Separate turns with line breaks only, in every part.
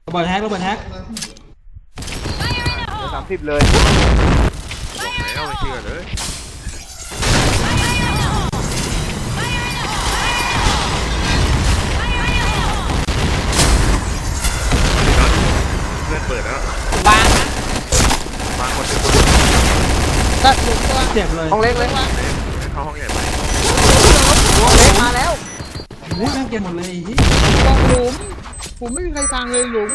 ระเบิดแฮกระเบิดแฮก
30เลย
บอกแล้วไม่เชื่อเลยเพื่อนเปิดแล้ว
บางนะ
บางคนเดียว
ตัดหลุมตัว
เจ็บเลย
ห้องเล็กเลย
เข้าห้องใหญ่ไป
ห้องเล็กมาแล้ว
โอ้ยแม่งเจ็บหมดเลยที่
บอกหลุมผมไม่มีใครฟังเลยหลุม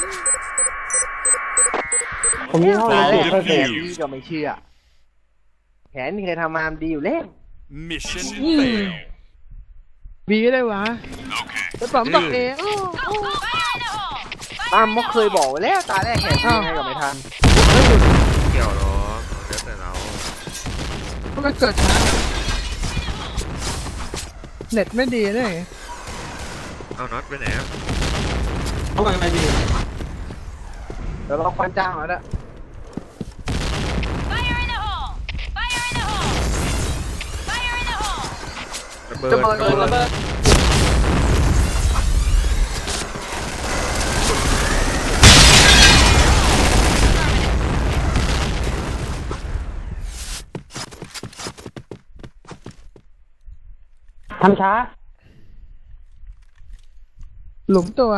ผมยิงห้องเล็กแผนที่ก็ไม่เชื่อแผนที่เคยทำมาดีอยู่แล้ว
Mission fail
บีได้วะแล้วผมบอกเอง
ตั้มก็เคยบอกไว้แล้วตาแรกแผนที่ให้กับไม่ทัน
เกี่ยวหรอเดี๋ยวแต่เรา
เพราะมันเกิดช้าเน็ตไม่ดีเลย
เอาน็อตไปไหน
เขาไปดี
เดี๋ยวเราควันจ้างแล้วนะ
ระเบิด
ระเบิด
ทำช้า
หลุมตัว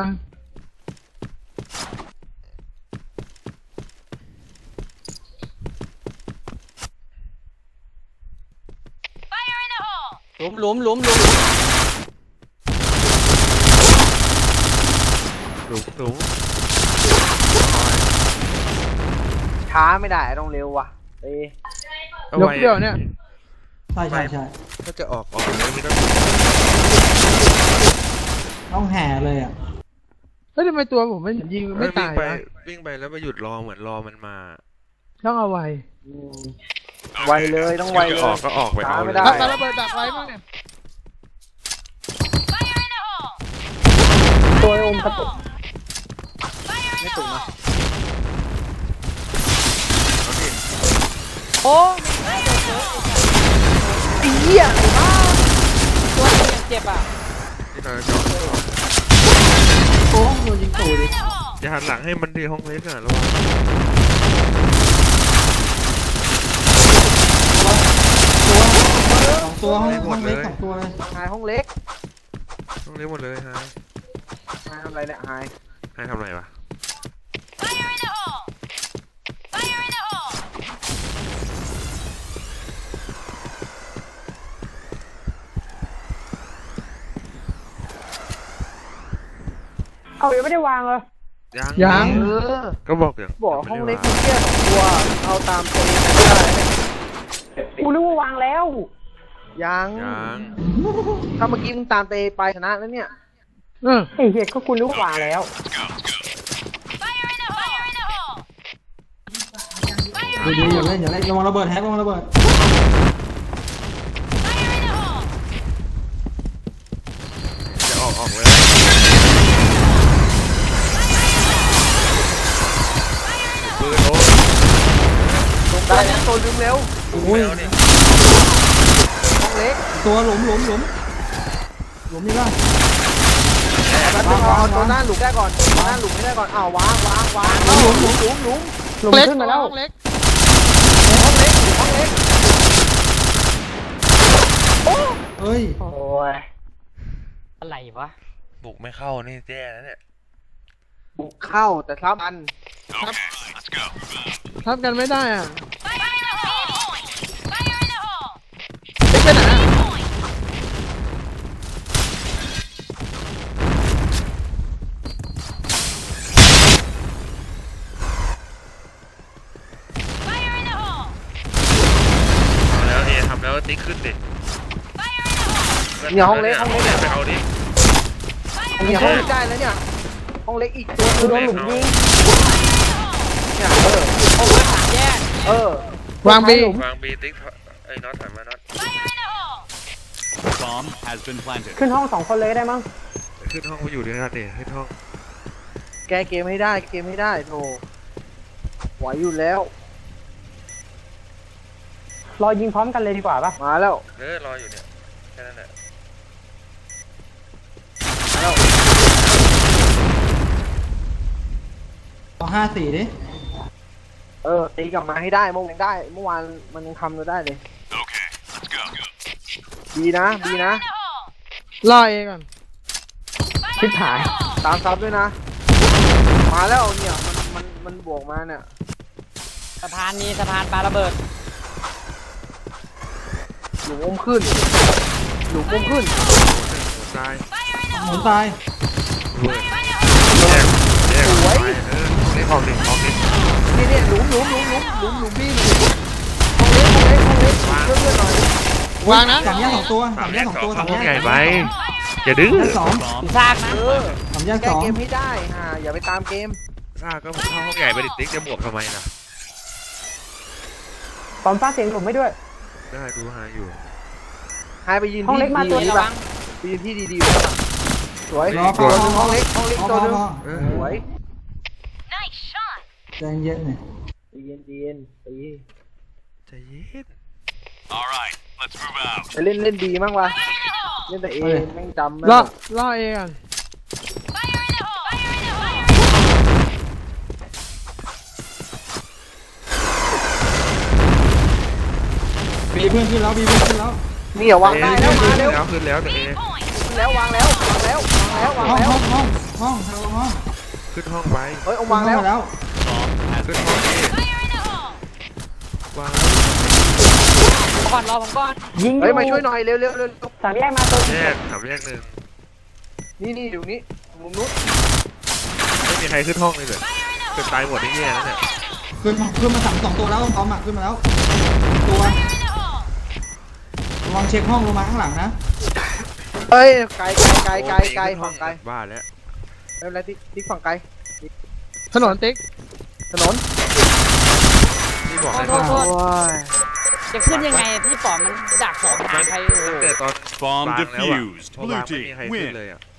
หลุม
ช้าไม่ได้ต้องเร็วว่ะ
ยกเดียวเนี่ย
ใช่
ก็จะออกเลยไม่
ต้องแห่เลยอ่ะ
เฮ้ยทำไมตัวผมไม่ยิงไม่ตาย
วิ่งไปแล้วไปหยุดรอเหมือนรอมันมา
ต้องเอาไว
ไวเลยต้องไวเลย
ออกก็ออกไปเอา
ไม่ได้
ถ้าระเบิดดักไว้มั้งเนี่ย
ตัวอมกระตุกไม่ตุกนะ
โอ้ไอ้เหี้ยตัวเจ็บอ่ะ
ที่เราจะ
โอ้โดนยิงตูดิ
จะหันหลังให้มันดีห้องเล็กอ่ะระวัง
ตัวห้องเล็ก2ตัวเลย
หายห้องเล็ก
ห้องเล็กหมดเลย
หายทำอะไรเนี่ยหาย
ทำอะไรวะ
เอายังไม่ได้วางเลย
ยัง
ก็บอกอย่าง
บอกห้องเล็กคุณแค่2ตัวเอาตามตัวไม่ได้กูนึกว่าวางแล้วยังถ้าเมื่อกี้มึงตามเตไปชนะแล้วเนี่ยไอ้เหี้ยก็คุณนึกว่าวางแล้ว
ดีอย่าเล่นระวังระเบิดแฮกระวังระเบิด
จะออกเลยปืนโอ้
ได้แล้วตัวลืมเร็ว
โอ้ย
ห้องเล็ก
ตัวหลุมนี่ป่ะ
เอาตัวหน้าหลุมได้ก่อนตัวหน้าหลุมไม่ได้ก่อนวางหลุมขึ้นมาแล้ว
ห้องเล็ก
เฮ้ย
โอ้ย
อะไรวะ
บุกไม่เข้านี่แย่แล้วเนี่ย
บุกเข้าแต่ซ้ำอัน
ทับกันไม่ได้อ่ะไปไหน
ทำแล้วติ๊กขึ้นดิ
เนี่ยห้องเล็ก
ไปเอาดิ
เนี่ยห้องเล็กได้แล้วเนี่ยห้องเล็กอีกตัวคือโดนหลุมยิงเนี่ยห้องเล็กแยก
วางบี
ติ๊กไอ้น็อตถอยมาน็อต
ขึ้นห้อง2คนเลยได้มั้ง
ขึ้นห้องไปอยู่ดีนะครับขึ้นห้อง
แกเกมไม่ได้โธ่ไหวอยู่แล้วรอยิงพร้อมกันเลยดีกว่าป่ะมาแล้ว
รออยู่เนี่ยแค่นั้นแหละ
54ดิ
ตีกลับมาให้ได้เมื่อวานได้ เมื่อวานมันยังทำเราได้เลย บีนะบีนะ
ล่อเองก่อน
ชิบหายตามซับด้วยนะ มาแล้วเนี่ยมันบวกมาเนี่ย
สะพานมีสะพานปาระเบิด
หลุมอมขึ้นหลุมอมขึ้น
ตาย
หมุนตาย
เวิร์ดแยกไปนี่ของดิของดิ
นี่หลุมบี้หลุมห้องเล็กเพื่อนหน่อยว
างนะ
สามแยก2ตัวสามแยก2ตัว
เข้า
สาม
ห้
แย
อง
ก
ใหญ่ไปอย่าดื้อ
แยก2
อยู่ซากนะ
สามแยก
แก้
2
เกมให้ได้อย่าไปตามเกม
ซ่าก็เข้าห้องใหญ่ไปดิติ๊กจะบวกทำไมล่ะ
ปอมฟ้าเสียงหลุมไม่ด้วย
ได้ดูหาอยู่
หายไปยืน
ห้อง
ที่
เล็กมาตัว
ดี
ระ
ๆ
วั
ป่ะ
ง
ไปยืนที่ดีๆสวย
รอ
ตัว
พอ
นึงห้องเล็กตัวนึง
เออ
สวย
ใจเย็นเนี่ย
เย็นตี
ใจเย็น
All right, let's move out.
ไปเล่นดีมั้งวะเล่นแต่เอแม่งจำไม่
ล่อเองก่อน
บีเพื่อนขึ้นแล้วบีเพื่อนขึ้นแล้ว
นี่อย่าวางได้แล้วมาเร็ว
ขึ้นแล้วแต่เอ
แล้ววางแล้ว
ห้องห้อง
ขึ้นห้องไป
เฮ้ยเอาวางแล้ว
แล้ว
ขึ้นห้องเอวาง
ก่อนรอผมก่อนยิง
เฮ้ยมาช่วยหน่อยเร็ว
สามแยกมาตัว
แยกถามแยกหนึ่ง
นี่อยู่นี่มุมนู้น
ไม่มีใครขึ้นห้องเลยเลยเป็นตายหมดที่แย่แล้วเนี่ย
ขึ้นมา2ตัวแล้วพร้อมขึ้นมาแล้วตัวระวังเช็คห้องลงมาข้างหลังนะ
เฮ้ยไกลฝั่งไกล
บ้าแล้ว
ไม่เป็นไรติ๊กฝั่งไกล
ถนนติ๊ก
ถนน
นี่บอก
โท
ให้
ษโทษโทษ
โอ้ย
จะขึ้นยังไงพี่ปอมมันดักสองทางใครโอ้โห
ตั้งแต่ตอน
Bomb
วางแล้วอะ
defused.
พอวาง
Blue
ไม่มีใคร
team
ขึ้น
win.
เลยอ่ะ